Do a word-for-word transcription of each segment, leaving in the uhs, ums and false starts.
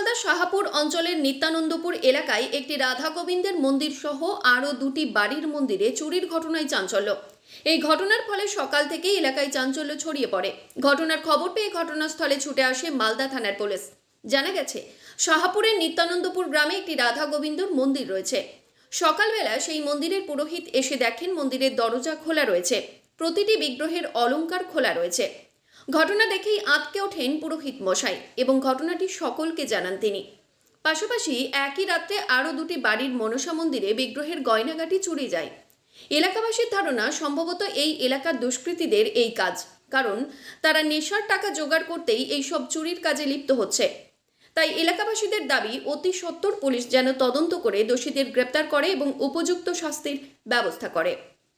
মালদা শাহাপুর অঞ্চলের নিত্যানন্দপুর এলাকায় একটি রাধা গোবিন্দের মন্দির সহ আরও দুটি বাড়ির মন্দিরে চুরির ঘটনায় চাঞ্চল্য। এই ঘটনার ফলে সকাল থেকে এলাকায় চাঞ্চল্য ছড়িয়ে পড়ে। ঘটনার খবর পেয়ে ঘটনাস্থলে ছুটে আসে মালদা থানার পুলিশ। জানা গেছে, শাহাপুরের নিত্যানন্দপুর গ্রামে একটি রাধা গোবিন্দর মন্দির রয়েছে। সকালবেলা সেই মন্দিরের পুরোহিত এসে দেখেন মন্দিরের দরজা খোলা রয়েছে, প্রতিটি বিগ্রহের অলংকার খোলা রয়েছে। ঘটনা দেখেই আঁতকে ওঠেন পুরোহিত মশাই এবং ঘটনাটি সকলকে জানান তিনি। পাশাপাশি একই রাত্রে আরও দুটি বাড়ির মনসা মন্দিরে বিগ্রহের গয়নাগাটি চুরি যায়। এলাকাবাসীর ধারণা সম্ভবত এই এলাকার দুষ্কৃতীদের এই কাজ, কারণ তারা নেশার টাকা জোগাড় করতেই এই সব চুরির কাজে লিপ্ত হচ্ছে। তাই এলাকাবাসীদের দাবি অতি সত্বর পুলিশ যেন তদন্ত করে দোষীদের গ্রেপ্তার করে এবং উপযুক্ত শাস্তির ব্যবস্থা করে।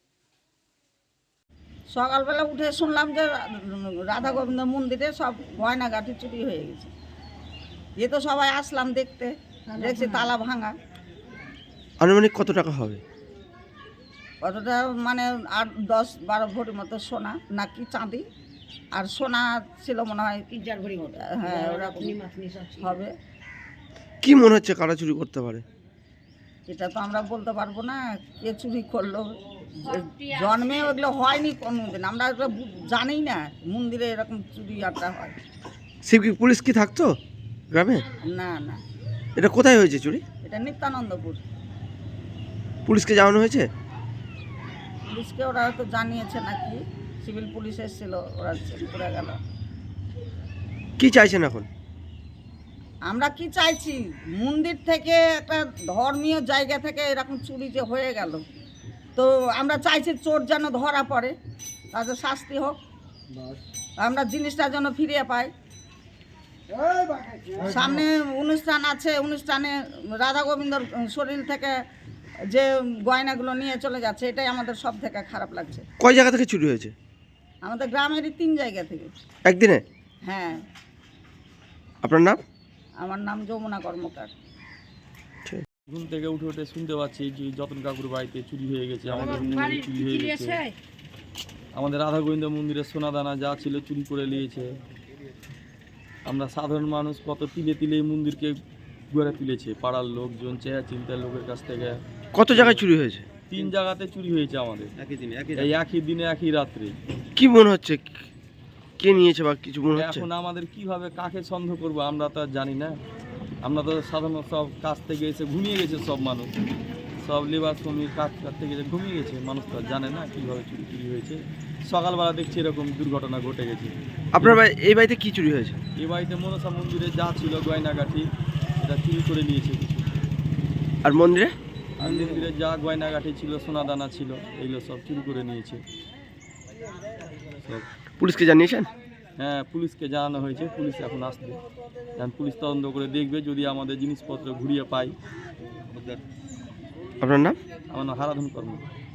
সকালবেলা উঠে শুনলাম যে রাধা গোবিন্দ মন্দিরে সব গয়নাগাটি চুরি হয়ে গেছে। এ তো সবাই আসলাম দেখতে, দেখছি তালা ভাঙা। আনুমানিক কত টাকা হবে? কতটা মানে আট দশ বারো ভরি মতো সোনা নাকি চাঁদি, আর সোনা ছিল মনে হয় তিন চার ভরি মতো। হ্যাঁ, ওরকম হবে। কি মনে হচ্ছে কারা চুরি করতে পারে? এটা তো আমরা বলতে পারবো না কে চুরি করলো। জন্মে ওগুলো হয়নি কোনোদিন, আমরা ওগুলো জানি না মন্দিরে এরকম চুরি আড্ডা হয়। শিব কি পুলিশ কি থাকতো গ্রামে? না না, এটা কোথায় হয়েছে চুরি? এটা নিত্যানন্দপুর। পুলিশকে জানানো হয়েছে? পুলিশকে ওরা হয়তো জানিয়েছে নাকি, সিভিল পুলিশ এসেছিল, ওরা চেক করে গেল। কি চাইছেন এখন? আমরা কি চাইছি, মন্দির থেকে একটা ধর্মীয় জায়গা থেকে এরকম চুরি যে হয়ে গেল, তো আমরা চাইছি চোর যেন ধরা পড়ে, তাদের শাস্তি হোক, আমরা জিনিসটা যেন ফিরিয়ে পাই। সামনে অনুষ্ঠান আছে, অনুষ্ঠানে রাধা গোবিন্দর শরীর থেকে যে গয়নাগুলো নিয়ে চলে যাচ্ছে, এটাই আমাদের সব থেকে খারাপ লাগছে। কয় জায়গা থেকে চুরি হয়েছে? আমাদের গ্রামেরই তিন জায়গা থেকে। একদিনে? হ্যাঁ। আপনার নাম? আমার নাম যমুনা কর্মকার। ঘুম থেকে উঠে উঠে শুনতে পাচ্ছি যে যতন কাকুর বাড়িতে চুরি হয়ে গেছে, আমাদের মন্দিরে চুরি হয়ে গেছে, আমাদের রাধা গোবিন্দ মন্দিরের সোনাদানা যা ছিল চুরি করে নিয়েছে। আমরা সাধারণ মানুষ কত তিলে তিলে এই মন্দিরকে গড়ে তুলেছে, পাড়ার লোকজন, চেয়া চিন্তার লোকের কাছ থেকে। কত জায়গায় চুরি হয়েছে? তিন জায়গাতে চুরি হয়েছে আমাদের একই দিনে, এই একই দিনে একই রাত্রে। কি মনে হচ্ছে কে নিয়েছে বা কিছু মনে হচ্ছে? এখন আমাদের কিভাবে কাকে সন্দেহ করবো আমরা তো জানি না। আমরা তো সাধারণ সব কাজ থেকে এসে ঘুমিয়ে গেছে, সব মানুষ, সব লেবার শ্রমিক কাজ করতে গেছে ঘুমিয়ে গেছে, মানুষ তো জানে না কীভাবে চুরি চুরি হয়েছে। সকালবেলা দেখছি এরকম দুর্ঘটনা ঘটে গেছে। আপনার এই বাড়িতে কি চুরি হয়েছে? এই বাড়িতে মনসা মন্দিরে যা ছিল গয়নাগাঠি এটা চুরি করে নিয়েছে কিছু। আর মন্দিরে? আর মন্দিরে যা গয়নাগাঠি ছিল, সোনাদানা ছিল, এইগুলো সব চুরি করে নিয়েছে সব। পুলিশকে জানিয়েছেন? হ্যাঁ, পুলিশকে জানানো হয়েছে, পুলিশ এখন আসবে, এখন পুলিশ তদন্ত করে দেখবে, যদি আমাদের জিনিসপত্র ঘুরিয়ে পাই। আপনার নাম? আমার নাম হারাধন কর্ম।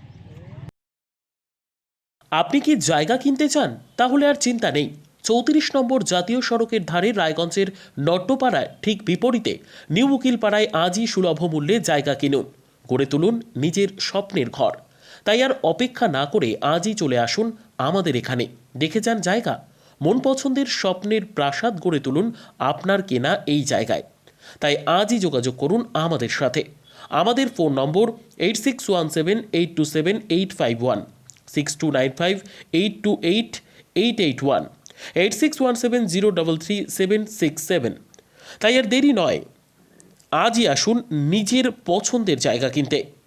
আপনি কি জায়গা কিনতে চান? তাহলে আর চিন্তা নেই। চৌত্রিশ নম্বর জাতীয় সড়কের ধারে রায়গঞ্জের নট্টপাড়ায় ঠিক বিপরীতে নিউ উকিলপাড়ায় আজই সুলভ মূল্যে জায়গা কিনুন, গড়ে তুলুন নিজের স্বপ্নের ঘর। তাই আর অপেক্ষা না করে আজই চলে আসুন আমাদের এখানে, দেখে যান জায়গা। মন পছন্দের স্বপ্নের প্রাসাদ গড়ে তুলুন আপনার কেনা এই জায়গায়। তাই আজই যোগাযোগ করুন আমাদের সাথে। আমাদের phone number eight six one seven eight two seven eight five one, six two nine five eight two eight eight eight one, eight six one seven zero double three seven six seven. তাই আর দেরি নয়, আজই আসুন নিজের পছন্দের জায়গা কিনতে।